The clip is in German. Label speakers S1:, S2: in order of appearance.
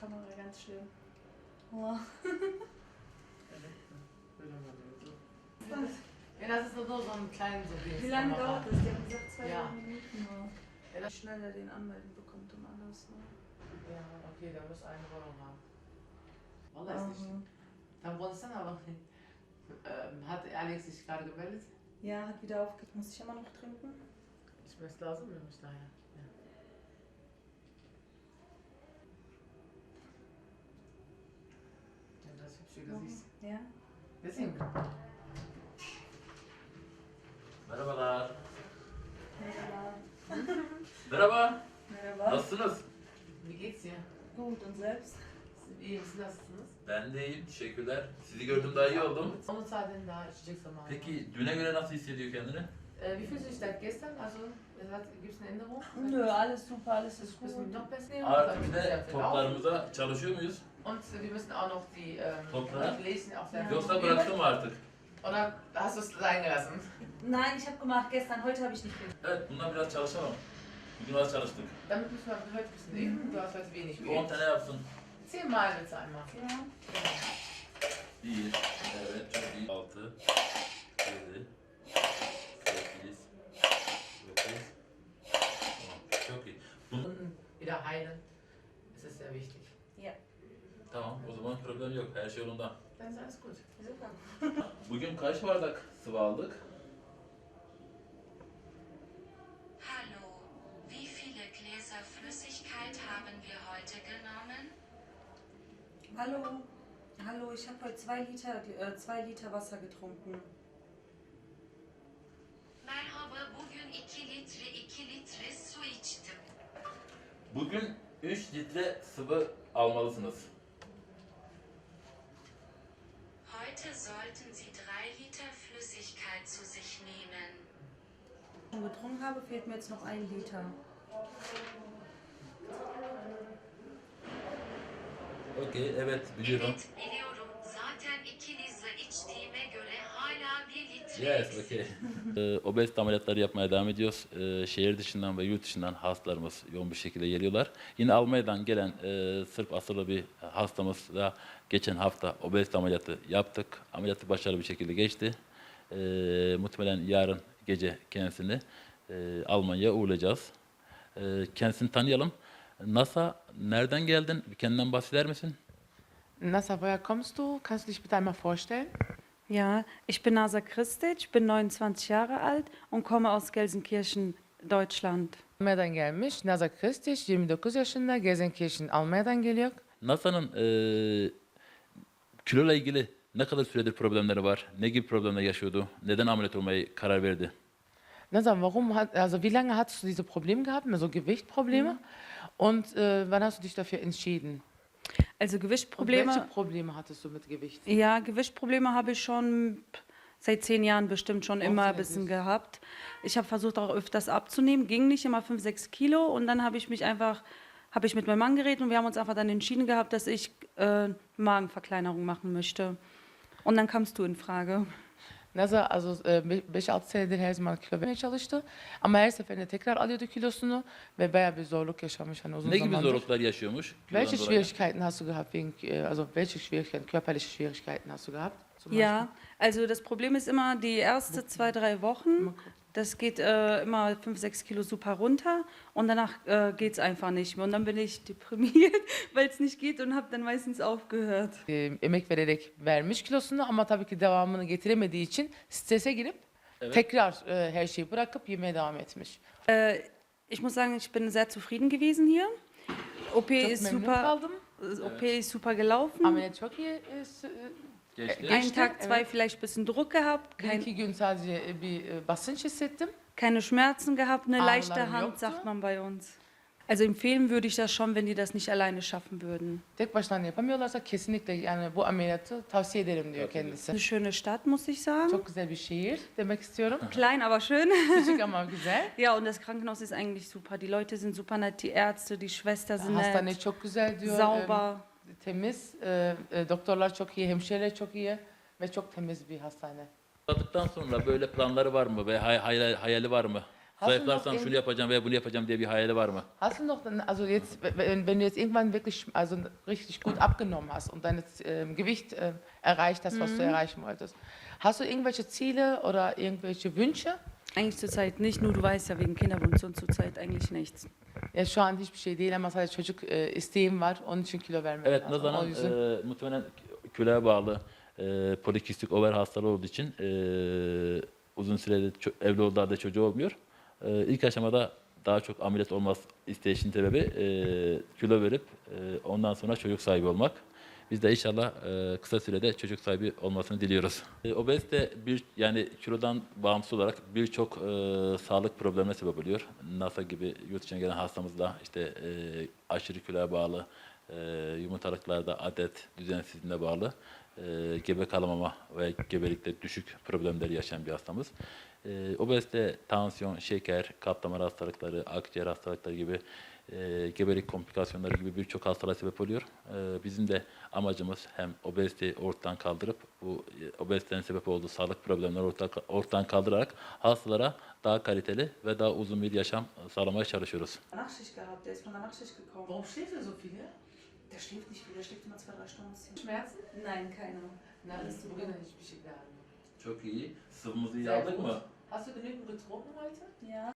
S1: Kamera ganz schlimm. Oh.
S2: Ja, das ist nur so ein kleines so
S1: Wie lange dauert das? Die haben gesagt 2 Minuten.
S2: Ja,
S1: Schneller den anmelden bekommt und alles. Ne?
S2: Ja, okay, der muss eine Wohnung haben. Wallah ist nicht. Dann wolltest du dann aber nicht. Hat Alex sich gerade gemeldet?
S1: Ja, hat wieder aufgehört. Muss ich immer noch trinken?
S2: Ich möchte lazım mıymış daha ya? Ja, das hübsche Gesicht.
S1: Ja.
S2: Deswegen.
S3: Merhabalar.
S1: Merhaba.
S3: Merhaba.
S1: Merhaba.
S3: Nasılsınız?
S2: Wie geht's dir?
S1: Gut, und selbst?
S2: İyi misin? Nasılsınız?
S3: Ben de iyiyim. Teşekkürler. Sizi gördüm daha iyi oldum.
S2: Onun zaten daha içecek zamanı.
S3: Peki düne göre nasıl hissediyor kendini?
S2: Wie fühlst du dich seit gestern? Also, gibt es eine Änderung?
S1: Nö, alles super, alles ist
S2: Müssen wir
S1: gut.
S2: noch besser nehmen?
S3: Artı bir de toplarımıza çalışıyor muyuz?
S2: Und wir müssen auch noch die
S3: Toplar?
S2: lesen auf der
S3: Yoksa bıraktın mı artık?
S2: Oder hast du es sein gelassen?
S1: Nein, ich habe gemacht gestern, heute habe ich nicht gemacht.
S3: Evet, bundan biraz çalışalım. Bugün az çalıştık.
S2: Damit müssen wir heute ein bisschen üben. Du hast heute wenig
S3: 10
S2: geübt.
S3: tane yapsın.
S2: 10 Mal bitte einmal.
S1: Ja.
S3: 1, evet çok iyi. 6, 7, 8, 9, 10. Çok iyi.
S2: Wunden wieder heilen. Das ist sehr wichtig.
S1: Ja.
S3: Tamam, o zaman problem yok. Her şey yolunda.
S2: Dann ist alles gut.
S1: Super.
S3: Bugün kaç bardak sıvı aldık?
S4: Hallo, wie viele Gläser Flüssigkeit haben wir heute genommen?
S1: Hallo. Hallo, ich habe heute 2 Liter Wasser getrunken.
S4: Merhaba, bugün 2 litre su içtim.
S3: Bugün 3 litre sıvı almalısınız.
S4: Heute sollten Sie 3 Liter Flüssigkeit zu sich nehmen.
S1: Schon getrunken habe, fehlt mir jetzt noch 1 Liter.
S3: Okey, evet biliyorum.
S4: Evet, biliyorum. Zaten 2 litre içtiğime göre hala 1 litre
S3: Yes,
S4: eksik.
S3: okey. Obezite ameliyatları yapmaya devam ediyoruz. Şehir dışından ve yurt dışından hastalarımız yoğun bir şekilde geliyorlar. Yine Almanya'dan gelen Sırp asıllı bir hastamızla geçen hafta obezite ameliyatı yaptık. Ameliyatı başarılı bir şekilde geçti. Muhtemelen yarın gece kendisini Almanya'ya uğurlayacağız. Kendisini tanıyalım. NASA, nereden geldin? Kendinden bahseder misin?
S2: Nasa, woher kommst du? Kannst du dich bitte einmal vorstellen?
S1: Ja, ich bin Nasa Kristic, bin 29 Jahre alt und komme aus Gelsenkirchen, Deutschland.
S2: Almanya'dan gelmiş. Nasa Kristic, 29 yaşında. Gelsenkirchen, Almanya'dan geliyor.
S3: NASA'nın kiloyla ilgili ne kadar süredir problemleri var? Ne gibi problemler yaşıyordu? Neden ameliyat olmaya karar verdi?
S2: Nasa, wie lange hattest du diese Probleme gehabt, so Gewichtprobleme? Und wann hast du dich dafür entschieden?
S1: Also
S2: Und
S1: Gewichtprobleme.
S2: welche Probleme hattest du mit Gewicht?
S1: Ja, Gewichtprobleme habe ich schon seit 10 Jahren bestimmt schon immer ein
S2: sehr
S1: bisschen
S2: süß.
S1: gehabt. Ich habe versucht auch öfters abzunehmen, ging nicht immer 5, 6 Kilo und dann habe ich mit meinem Mann geredet und wir haben uns einfach dann entschieden gehabt, dass ich Magenverkleinerung machen möchte. Und dann kamst du in Frage.
S2: Nasa, also 5-6 senedir her zaman kilo vermeye çalıştı. Ama her seferinde tekrar alıyordu kilosunu ve bayağı bir zorluk yaşamış hani uzun
S3: Ne gibi
S2: zamandır.
S3: zorluklar yaşıyormuş?
S2: Welche
S3: kilodan dolayı?
S2: Schwierigkeiten hast du gehabt also welche Schwierigkeiten, körperliche Schwierigkeiten hast du gehabt? Zum
S1: Ja, also das Problem ist immer die erste 2, 3 Wochen. Das geht immer 5, 6 Kilo super runter und danach geht es einfach nicht mehr. Und dann bin ich deprimiert, weil es nicht geht und habe dann meistens aufgehört.
S2: Emek vererek vermiş kilosunu ama tabii ki devamını getiremediği için strese girip
S3: Evet.
S2: tekrar her şeyi bırakıp yemeye devam etmiş.
S1: Ich muss sagen, ich bin sehr zufrieden gewesen hier. OP
S2: Çok
S1: ist
S2: memnun
S1: super,
S2: kaldım.
S1: OP ist super gelaufen.
S2: Ameliyat çok iyi.
S3: Geçti.
S1: Einen
S2: Geçti,
S1: Tag, 2
S2: evet.
S1: vielleicht ein bisschen Druck gehabt,
S2: Bir iki gün sadece bir basınç hissettim.
S1: keine Schmerzen gehabt, eine
S2: Ağrılar
S1: leichte Hand,
S2: yoktu.
S1: sagt man bei uns. Also empfehlen würde ich das schon, wenn die das nicht alleine schaffen würden.
S2: Tek başlarına yapamıyorlarsa kesinlikle yani bu ameliyatı tavsiye ederim diyor kendisi.
S1: Eine schöne Stadt, muss ich sagen.
S2: Çok güzel bir şehir demek istiyorum.
S1: Klein, aber schön.
S2: Küçük ama güzel.
S1: Ja, und das Krankenhaus ist eigentlich super. Die Leute sind super nett, die Ärzte, die Schwester sind
S2: Hastane
S1: nett,
S2: çok güzel diyor.
S1: sauber.
S2: Temiz. Doktorlar çok iyi, hemşireler çok iyi ve çok temiz bir hastane.
S3: Aldıktan sonra böyle planları var mı ve hayali var mı? Zayıflarsam şunu yapacağım veya bunu yapacağım diye bir hayali var mı?
S2: Hast du noch, also jetzt, wenn du jetzt irgendwann wirklich, also richtig gut abgenommen hast und dein Gewicht erreicht hast, was du erreichen wolltest, hast du irgendwelche Ziele oder irgendwelche Wünsche?
S1: Eigentlich zurzeit nicht, nur du weißt ja wegen Kinderwunsch und zurzeit eigentlich nichts.
S2: Ya şu an hiçbir şey değil ama sadece çocuk isteğim var, onun için kilo vermem
S3: Evet,
S2: lazım. O
S3: Nazan'ın
S2: yüzden
S3: muhtemelen kiloya bağlı polikistik over hastalığı olduğu için uzun süredir evli olduğu halde çocuğu olmuyor. İlk aşamada daha çok ameliyat olmaz isteyişin sebebi kilo verip ondan sonra çocuk sahibi olmak. Biz de inşallah kısa sürede çocuk sahibi olmasını diliyoruz. Obezite yani kilodan bağımsız olarak birçok sağlık problemine sebep oluyor. NASA gibi yurt dışına gelen hastamızda işte aşırı kiloya bağlı, yumurtalıklarda adet düzensizliğine bağlı gebe kalamama ve gebelikte düşük problemleri yaşayan bir hastamız. Obezite, tansiyon, şeker, kalp damar hastalıkları, akciğer hastalıkları gibi gebelik komplikasyonları gibi birçok hastalığa sebep oluyor. Bizim de amacımız hem obeziteyi ortadan kaldırıp bu obezitenin sebep olduğu sağlık problemleri ortadan kaldırarak hastalara daha kaliteli ve daha uzun bir yaşam sağlamaya çalışıyoruz.
S1: Nachtschicht gehabt, der ist von der Nachtschicht gekommen.
S2: warum schläft er so viel? Ya?
S1: Der schläft nicht viel, der schläft immer 2-3 Stunden.
S2: Schmerzen?
S1: Nein, keine.
S2: Nein, bugün de hiçbir şey gelmiyor.
S3: Çok iyi. Sıvımızı iyi
S2: Sehr
S3: aldık
S2: gut.
S3: mı?
S2: Hast du genügend getrunken heute?
S1: Ja.